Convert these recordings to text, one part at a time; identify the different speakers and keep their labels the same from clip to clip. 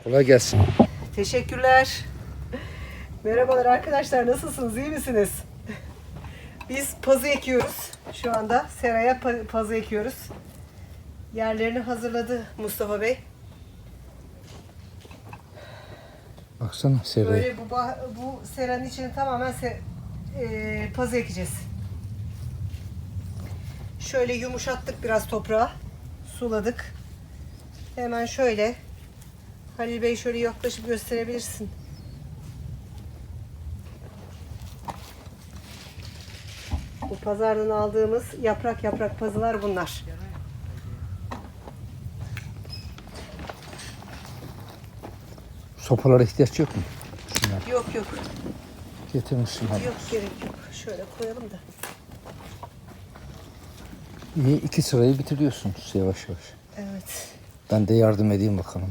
Speaker 1: Kolay gelsin.
Speaker 2: Teşekkürler. Merhabalar arkadaşlar, nasılsınız? İyi misiniz? Biz pazı ekiyoruz. Şu anda seraya pazı ekiyoruz. Yerlerini hazırladı Mustafa Bey.
Speaker 1: Baksana seraya.
Speaker 2: Böyle bu seranın içine tamamen pazı ekeceğiz. Şöyle yumuşattık biraz toprağı. Suladık. Hemen şöyle. Halil Bey şöyle yaklaşıp gösterebilirsin. Bu pazardan aldığımız yaprak yaprak pazılar bunlar.
Speaker 1: Sopalara ihtiyaç yok mu? Şunlar.
Speaker 2: Yok yok.
Speaker 1: Getirmişsin hadi.
Speaker 2: Yok gerek yok. Şöyle koyalım da.
Speaker 1: İyi, 2 sırayı bitiriyorsunuz yavaş yavaş.
Speaker 2: Evet.
Speaker 1: Ben de yardım edeyim bakalım.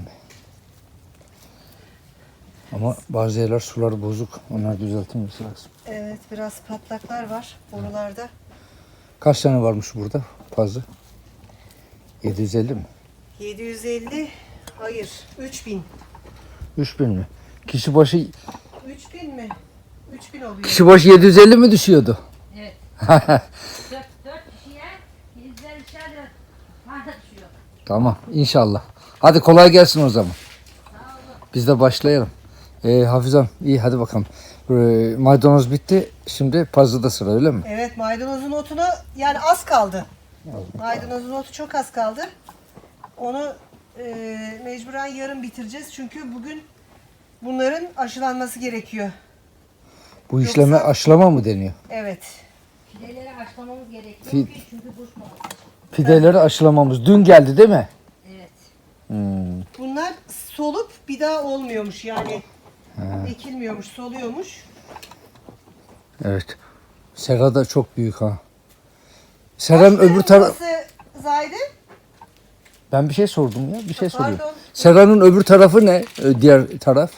Speaker 1: Ama bazı yerler suları bozuk. Onlar düzeltilmesi lazım.
Speaker 2: Evet, biraz patlaklar var oralarda.
Speaker 1: Kaç tane varmış burada pazı? 750 mi?
Speaker 2: 750, hayır 3000.
Speaker 1: 3000 mi? Kişi başı
Speaker 2: 3000 mi? 3000 oluyor.
Speaker 1: kişi başı 750 mi düşüyordu?
Speaker 3: Evet. 4 kişiye 150'şer de bana düşüyor.
Speaker 1: Tamam inşallah. Hadi kolay gelsin o zaman. Biz de başlayalım. Hafizam iyi hadi bakalım. Maydanoz bitti. Şimdi pazıda sıra öyle mi?
Speaker 2: Evet, maydanozun otunu yani az kaldı. Maydanozun otu çok az kaldı. Onu mecburen yarın bitireceğiz. Çünkü bugün bunların aşılanması gerekiyor.
Speaker 1: Bu işleme
Speaker 2: Yoksa-
Speaker 1: aşılama mı deniyor?
Speaker 2: Evet.
Speaker 3: Fideleri haşlamamız gerekiyor
Speaker 1: Fi-
Speaker 3: ki çünkü kuşmasın.
Speaker 1: Fideleri aşılamamız. Dün geldi değil mi?
Speaker 3: Evet.
Speaker 2: Bunlar solup bir daha olmuyormuş yani. Ekilmiyormuş, soluyormuş.
Speaker 1: Evet. Sera da çok büyük ha. Sera'nın öbür tarafı...
Speaker 2: Burası Zahide?
Speaker 1: Ben bir şey sordum ya. Bir şey soruyorum.
Speaker 2: Pardon.
Speaker 1: Sera'nın öbür tarafı ne? Diğer taraf?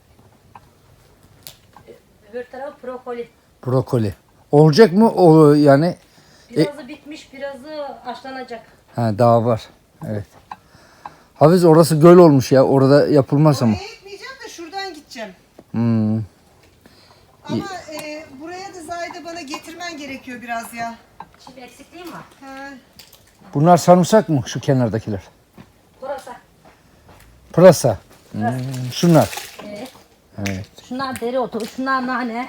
Speaker 3: Öbür taraf brokoli.
Speaker 1: Brokoli. Olacak mı? O yani...
Speaker 3: Birazı bitmiş, birazı haşlanacak.
Speaker 1: Ha daha var. Evet. Hafiz orası göl olmuş ya. Orada yapılmaz ama.
Speaker 2: Oraya gitmeyeceğim de şuradan gideceğim.
Speaker 1: Hmm.
Speaker 2: Ama buraya da Zahide bana getirmen gerekiyor biraz ya.
Speaker 3: Şimdi eksikliğim var.
Speaker 2: Ha,
Speaker 1: Bunlar sarımsak mı? Şu kenardakiler.
Speaker 3: Burası.
Speaker 1: Pırasa. Şunlar.
Speaker 3: Evet.
Speaker 1: Evet.
Speaker 3: Şunlar dereotu, şunlar nane.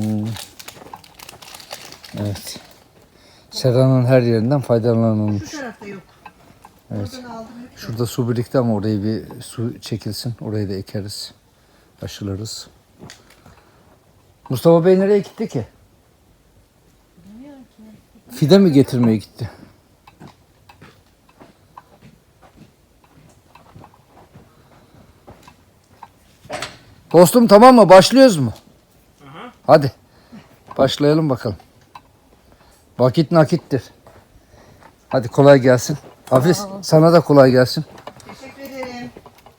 Speaker 1: Evet. Sera'nın her yerinden
Speaker 2: şu
Speaker 1: faydalanılmış.
Speaker 2: tarafta yok.
Speaker 1: Evet.
Speaker 2: Oradan aldım.
Speaker 1: Şurada su birikti ama orayı bir su çekilsin. Orayı da ekeriz. Aşılarız. Mustafa Bey nereye gitti ki? Fide mi getirmeye gitti? Dostum tamam mı? Başlıyoruz mu? Hadi. Başlayalım bakalım. Vakit nakittir. Hadi kolay gelsin. Hafiz sana da kolay gelsin.
Speaker 2: Teşekkür ederim.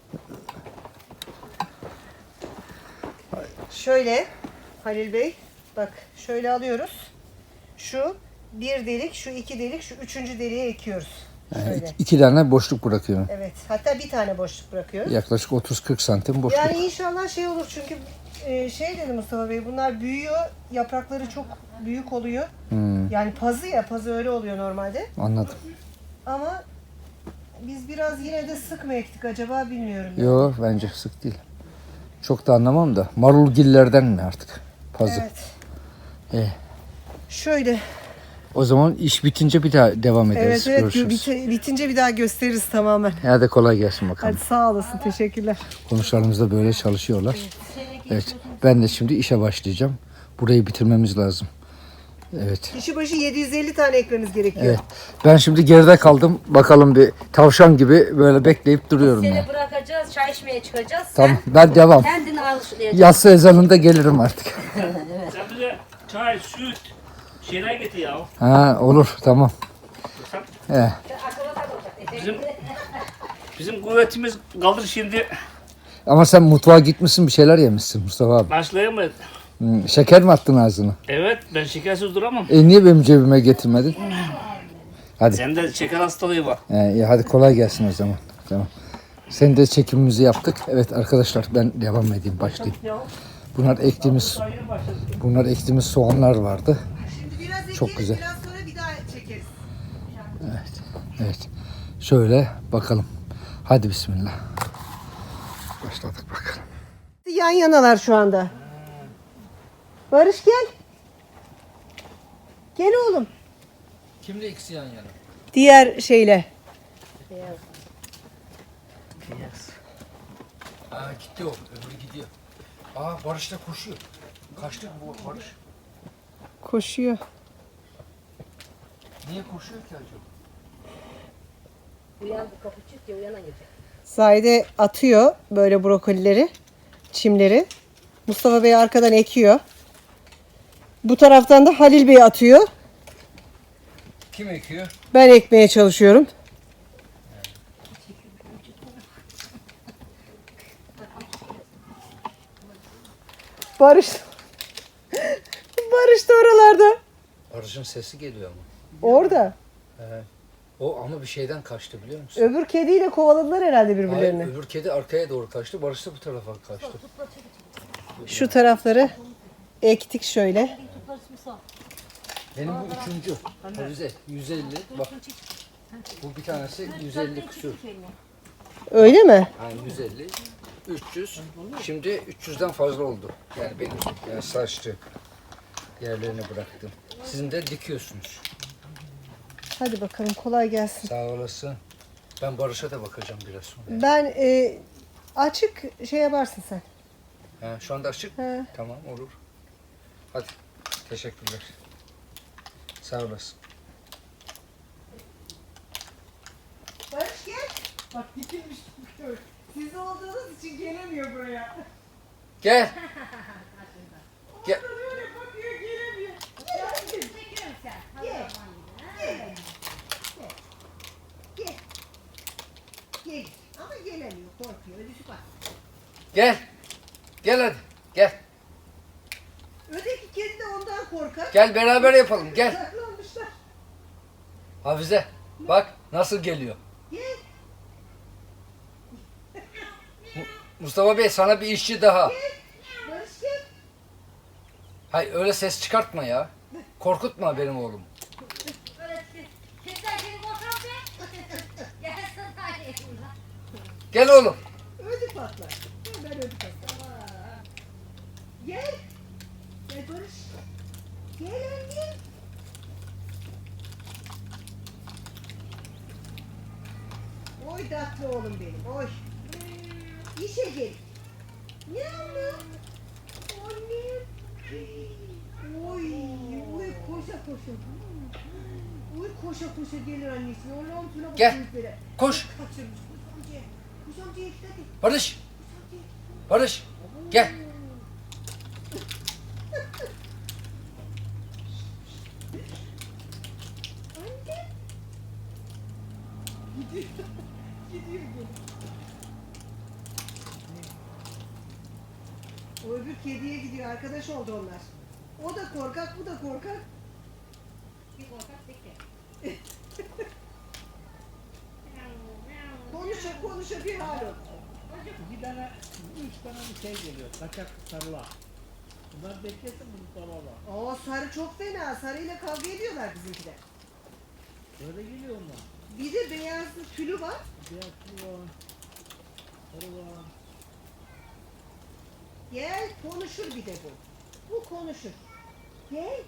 Speaker 2: Şöyle Halil Bey, bak şöyle alıyoruz. Şu bir delik, şu iki delik, şu üçüncü deliğe ekiyoruz. Şöyle.
Speaker 1: 2 tane boşluk bırakıyorum.
Speaker 2: Evet, hatta bir tane boşluk bırakıyoruz.
Speaker 1: Yaklaşık 30-40 santim boşluk.
Speaker 2: Yani inşallah şey olur çünkü şey dedi Mustafa Bey, bunlar büyüyor, yaprakları çok büyük oluyor. Yani pazı ya, pazı öyle oluyor normalde.
Speaker 1: Anladım.
Speaker 2: Ama biz biraz yine de sık mı ektik acaba bilmiyorum.
Speaker 1: Yok bence sık değil. Çok da anlamam da. Marulgillerden mi artık? Pazı.
Speaker 2: Evet. Şöyle.
Speaker 1: O zaman iş bitince bir daha devam ederiz.
Speaker 2: Evet,
Speaker 1: Görüşürüz.
Speaker 2: bitince bir daha gösteririz tamamen.
Speaker 1: Hadi kolay gelsin bakalım.
Speaker 2: Hadi sağ olasın, teşekkürler.
Speaker 1: Komşularımız da böyle çalışıyorlar. Evet. Ben de şimdi işe başlayacağım. Burayı bitirmemiz lazım. Evet.
Speaker 2: Kişi başı 750 tane ekmemiz gerekiyor.
Speaker 1: Evet. Ben şimdi geride kaldım. Bakalım bir tavşan gibi böyle bekleyip duruyorum.
Speaker 3: Seni
Speaker 1: Yani.
Speaker 3: bırakacağız, çay içmeye çıkacağız.
Speaker 1: Tamam ben devam.
Speaker 3: Sen kendini alışlayacaksın.
Speaker 1: Yatsı ezanında gelirim artık.
Speaker 4: Sen bize çay, süt, şeyler getir ya.
Speaker 1: Ha olur tamam.
Speaker 3: Akıllı olacak.
Speaker 4: Bizim kuvvetimiz kalır şimdi.
Speaker 1: Ama sen mutfağa gitmişsin bir şeyler yemişsin Mustafa abi.
Speaker 4: Başlayamayız.
Speaker 1: Şeker mi attın ağzına?
Speaker 4: Evet, ben şekersiz duramam.
Speaker 1: Niye benim cebime getirmedin? Hadi.
Speaker 4: Sende şeker hastalığı var.
Speaker 1: İyi, hadi kolay gelsin o zaman. Tamam. Sen de çekimimizi yaptık. Evet arkadaşlar ben devam edeyim başlayayım. Bunlar ektiğimiz soğanlar vardı.
Speaker 2: Şimdi biraz ekeriz,
Speaker 1: Çok güzel.
Speaker 2: biraz sonra bir daha çekeriz.
Speaker 1: Evet. Şöyle bakalım. Hadi bismillah. Başladık bakalım.
Speaker 2: Yan yanalar şu anda. Barış gel. Gel oğlum.
Speaker 1: Kimle ikisi yan yana?
Speaker 2: Diğer şeyle.
Speaker 1: Aa gitti o. Öbürü gidiyor. Aa Barış da koşuyor. Kaçtı bu Barış.
Speaker 2: Koşuyor.
Speaker 1: Niye koşuyor ki acaba?
Speaker 3: Uyan kapı çık ya uyana gelecek.
Speaker 2: Zahide atıyor böyle brokolileri, çimleri. Mustafa Bey arkadan ekiyor. Bu taraftan da Halil Bey atıyor.
Speaker 1: Kim ekiyor?
Speaker 2: Ben ekmeye çalışıyorum. Barış. Barış da oralarda.
Speaker 1: Barış'ın sesi geliyor ama.
Speaker 2: Orada.
Speaker 1: O ama bir şeyden kaçtı biliyor musun?
Speaker 2: Öbür kediyle kovaladılar herhalde
Speaker 1: Hayır,
Speaker 2: birbirlerini.
Speaker 1: öbür kedi arkaya doğru kaçtı. Barış da bu tarafa kaçtı.
Speaker 2: Şu tarafları ektik şöyle.
Speaker 1: Benim bu üçüncü. Hafize 150. Bak. Bu bir tanesi 150 küsür.
Speaker 2: Öyle mi?
Speaker 1: Yani 150. 300. Şimdi 300'den fazla oldu. Yani benim saçlı yerlerini bıraktım. Sizin de dikiyorsunuz.
Speaker 2: Hadi bakalım kolay gelsin.
Speaker 1: Sağ olasın. Ben Barış'a da bakacağım biraz sonra.
Speaker 2: Ben açık şey yaparsın sen.
Speaker 1: Ha, şu anda açık.
Speaker 2: He.
Speaker 1: Tamam olur. Hadi. Teşekkürler. Sağ olasın.
Speaker 2: Barış gel. Bak dikilmiş. Siz olduğunuz için gelemiyor buraya.
Speaker 1: Gel. Gel.
Speaker 2: Böyle bakıyor gelemiyor. Gel. Ama gelemiyor korkuyor. Ödüsü bak.
Speaker 1: Gel. Gel hadi. Gel.
Speaker 2: Öteki kedi de ondan korkar.
Speaker 1: Gel beraber yapalım. Gel.
Speaker 2: Saklanmışlar.
Speaker 1: Hafize. Bak nasıl geliyor.
Speaker 2: Gel.
Speaker 1: Mustafa Bey sana bir işçi daha.
Speaker 2: Barış gel.
Speaker 1: Hayır öyle ses çıkartma ya. Korkutma benim oğlum.
Speaker 3: Sizden seni boşan be. Gelsin hadi.
Speaker 1: Gel oğlum.
Speaker 2: Ödü patlar. Ben ödü patlar. Gel. Gel Barış. Gel anne. Oy tatlı oğlum benim. Oy. İşe gel. Ne anne? Anne. Oy. Oy koşa koşa. Oy koşa koşa gelir annesi. Allah'ım şuna bak.
Speaker 1: Gel.
Speaker 2: büyüklere.
Speaker 1: Koş.
Speaker 2: Kaçırmış. Kuş amcaya. Kuş amcaya git hadi.
Speaker 1: Barış. Barış. Gel.
Speaker 2: Anne. Gidiyor. Gidiyor gene. O öbür kediye gidiyor. Arkadaş oldu onlar. O da korkak, bu da korkak.
Speaker 3: Bir korkak peki.
Speaker 2: Konuşa konuşa bir hal oldu.
Speaker 5: Bir tane, 3 tane bir şey geliyor. Kaçak sarılar. Bunlar beklesin bunu dolaba.
Speaker 2: Oo sarı çok fena. Sarıyla kavga ediyorlar bizimkiler.
Speaker 5: Böyle geliyor onlar.
Speaker 2: Bir de beyaz tülü var.
Speaker 5: Beyaz tüy var. Sarı var.
Speaker 2: Gel konuşur bir de bu. Bu konuşur. Gel.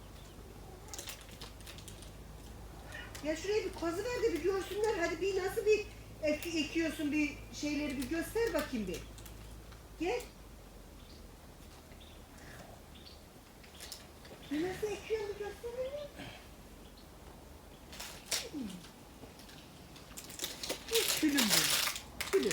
Speaker 2: Ya şuraya bir kazı ver de bir görsünler. Hadi bir nasıl bir ekiyorsun bir şeyleri bir göster bakayım bir. Gel. Nasıl ekiyorsun bir göster bana. Bu külüm bu. Külüm.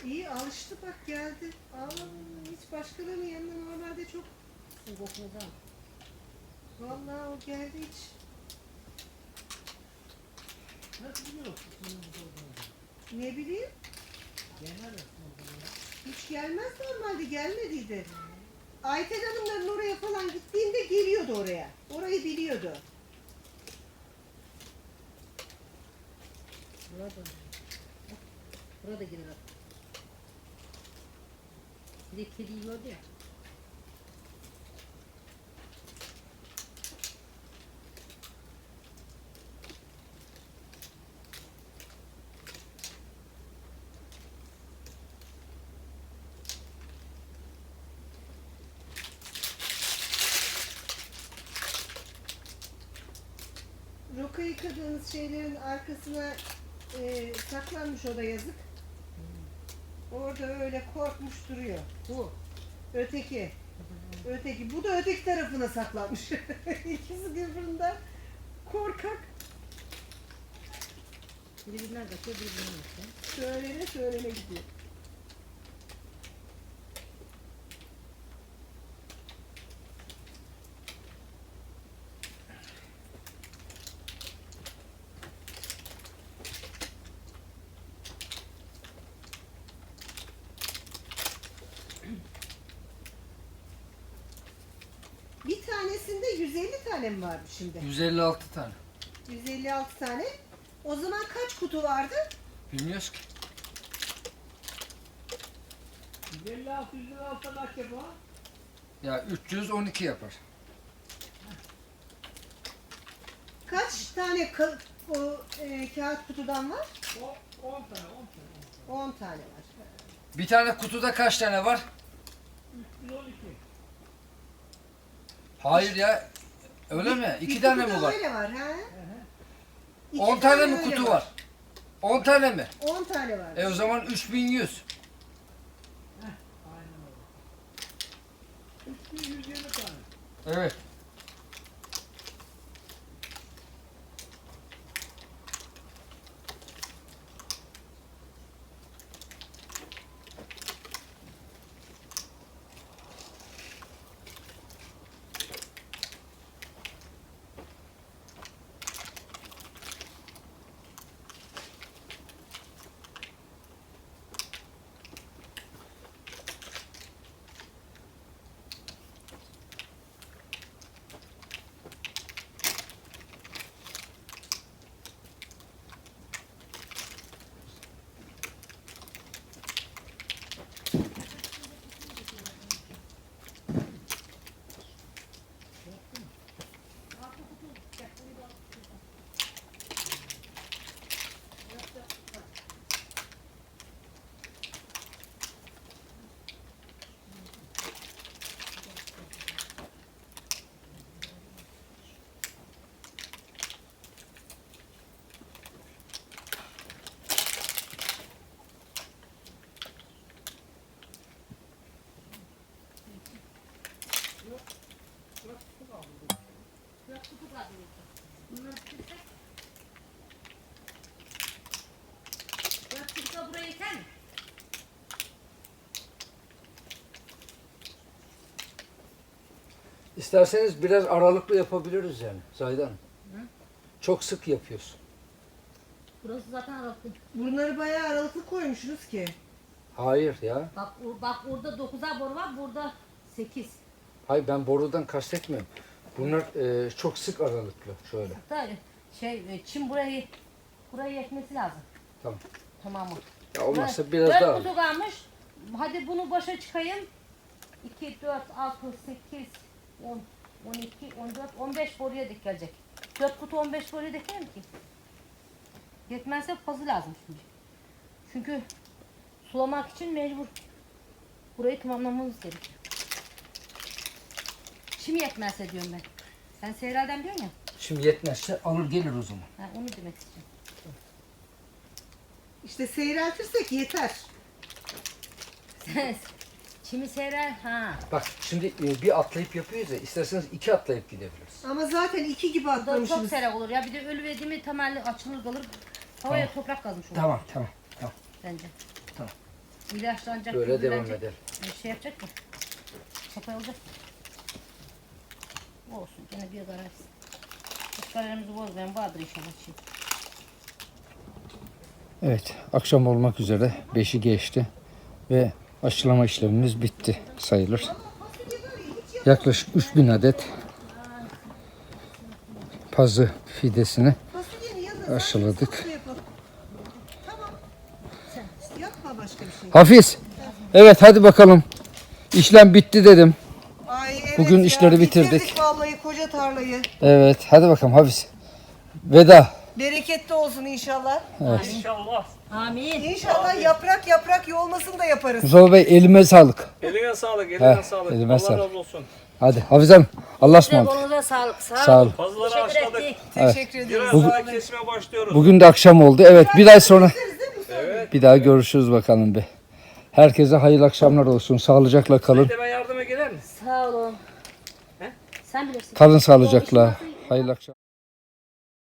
Speaker 2: İyi alıştı bak geldi. Hiç başkalarının yanına normalde çok.
Speaker 3: Kokunu da.
Speaker 2: Vallahi o geldi hiç.
Speaker 5: Nasıl biliyorsun bunun burada olduğunu?
Speaker 2: Ne bileyim.
Speaker 5: Genel aslında.
Speaker 2: Hiç gelmez normalde gelmediydi. Ayten Hanımların oraya falan gittiğinde geliyordu oraya. Orayı biliyordu.
Speaker 3: Burada. Burada girer. Bir de kediyi gördü ya.
Speaker 2: Roka yıkadığınız şeylerin arkasına saklanmış o da yazık. Orada öyle korkmuş duruyor.
Speaker 3: Bu.
Speaker 2: Öteki. Öteki. Bu da öteki tarafına saklanmış. İkisi birbirinden korkak.
Speaker 3: Birbirinden kaçıyor, birbirinden kaçıyor.
Speaker 2: Söylene söylene gidiyor. Bir tanesinde 150 tane mi vardı şimdi?
Speaker 1: 156 tane.
Speaker 2: 156 tane. O zaman kaç kutu vardı?
Speaker 1: Bilmiyoruz ki.
Speaker 5: 156 156 kaç yapar?
Speaker 1: Ya 312 yapar.
Speaker 2: Kaç tane kağıt kutudan var?
Speaker 5: O 10 tane 10 tane
Speaker 2: 10 tane var.
Speaker 1: Bir tane kutuda kaç tane var?
Speaker 5: 312.
Speaker 1: Hayır ya. Öyle mi? 2
Speaker 2: Bir
Speaker 1: tane
Speaker 2: kutuda
Speaker 1: mi var?
Speaker 2: öyle var ha? İki
Speaker 1: 10 tane mi
Speaker 2: öyle
Speaker 1: kutu var? 10 tane mi?
Speaker 2: 10 tane var.
Speaker 1: O zaman 3100.
Speaker 5: Aynen öyle. 3120 tane.
Speaker 1: Evet.
Speaker 3: Biraz kutu kaldı. Bunları bitirsek. Biraz kutu buraya yeter mi?
Speaker 1: İsterseniz biraz aralıklı yapabiliriz yani Zahide Hanım. Çok sık yapıyorsun.
Speaker 3: Burası zaten aralıklı.
Speaker 2: Bunları bayağı aralıklı koymuşsunuz ki.
Speaker 1: Hayır ya.
Speaker 3: Bak orada 9'ar boru var, burada 8.
Speaker 1: Hayır ben borudan kastetmiyorum. Bunlar çok sık aralıklı şöyle.
Speaker 3: Hatta çim buraya yetmesi lazım.
Speaker 1: Tamam.
Speaker 3: Tamam mı?
Speaker 1: Ya olmazsa biraz daha.
Speaker 3: 4 kutu kalmış. Hadi bunu başa çıkayım. 2, 4, 6, 8, 10, 12, 14, 15 boruya dik gelecek. 4 kutu 15 boruya dikerim ki. Yetmezse fazla lazım şimdi. Çünkü sulamak için mecbur burayı tamamlamamız gerekiyor. Çim yetmezse diyorum ben. Sen Seyra'dan diyorsun ya.
Speaker 1: Şimdi yetmezse alır gelir o zaman.
Speaker 3: Ha, onu demek istiyorum.
Speaker 2: İşte seyreltirsek yeter.
Speaker 3: Çimi Seyra ha.
Speaker 1: Bak şimdi bir atlayıp yapıyoruz ya isterseniz 2 atlayıp gidebiliriz.
Speaker 2: Ama zaten 2 gibi
Speaker 3: Bu da çok
Speaker 2: atlamışsınız.
Speaker 3: seyrek olur ya. Bir de ölü verdiğimi temelli açılır kalır. Havaya toprak kazmış olur
Speaker 1: Tamam tamam.
Speaker 3: bence.
Speaker 1: Tamam.
Speaker 3: İlaçlanacak.
Speaker 1: Böyle devam
Speaker 3: gübrelenecek.
Speaker 1: edelim.
Speaker 3: Bir şey yapacak mı? Kapayıldı. Olsun gene bir garantisi. Hiç kararımızı bozmayan vardır inşallah şimdi.
Speaker 1: Evet, akşam olmak üzere 5'i geçti ve aşılama işlemimiz bitti sayılır. Yaklaşık 3000 adet pazı fidesini
Speaker 2: Fasulyenin yanına
Speaker 1: aşıladık.
Speaker 2: salata yapalım. Tamam. Yapma başka bir şey.
Speaker 1: Hafiz, evet hadi bakalım. İşlem bitti dedim.
Speaker 2: Ay evet
Speaker 1: Bugün
Speaker 2: ya,
Speaker 1: işleri bitirdik.
Speaker 2: Vallahi koca tarlayı.
Speaker 1: Evet, hadi bakalım Hafiz. Veda.
Speaker 2: Bereketli olsun inşallah.
Speaker 4: İnşallah.
Speaker 3: Amin.
Speaker 2: İnşallah yaprak yaprak yolmasını da yaparız.
Speaker 1: Mustafa Bey elime sağlık.
Speaker 4: Eline sağlık, eline
Speaker 1: Heh,
Speaker 4: sağlık.
Speaker 1: elime
Speaker 4: Allah
Speaker 1: sağlık.
Speaker 4: razı olsun.
Speaker 1: Hadi Hafiz Hanım, Allah'a ısmarladık.
Speaker 3: Kolunuza sağlık.
Speaker 1: Sağ olun.
Speaker 4: Fazlaları
Speaker 3: Teşekkür
Speaker 4: aşladık.
Speaker 3: ettik.
Speaker 2: Teşekkür ediyoruz.
Speaker 4: Biraz
Speaker 2: Sağ
Speaker 4: daha
Speaker 2: olun.
Speaker 4: kesime başlıyoruz.
Speaker 1: Bugün de akşam oldu. Evet, bir ay sonra bir daha görüşürüz bakalım bir. Herkese hayırlı akşamlar olsun. Sağlıcakla kalın.
Speaker 4: Bir de ben yardıma gelir misin?
Speaker 3: Sağ olun. Sen bilirsin.
Speaker 1: Kalın sağlıcakla. Hayırlı akşamlar.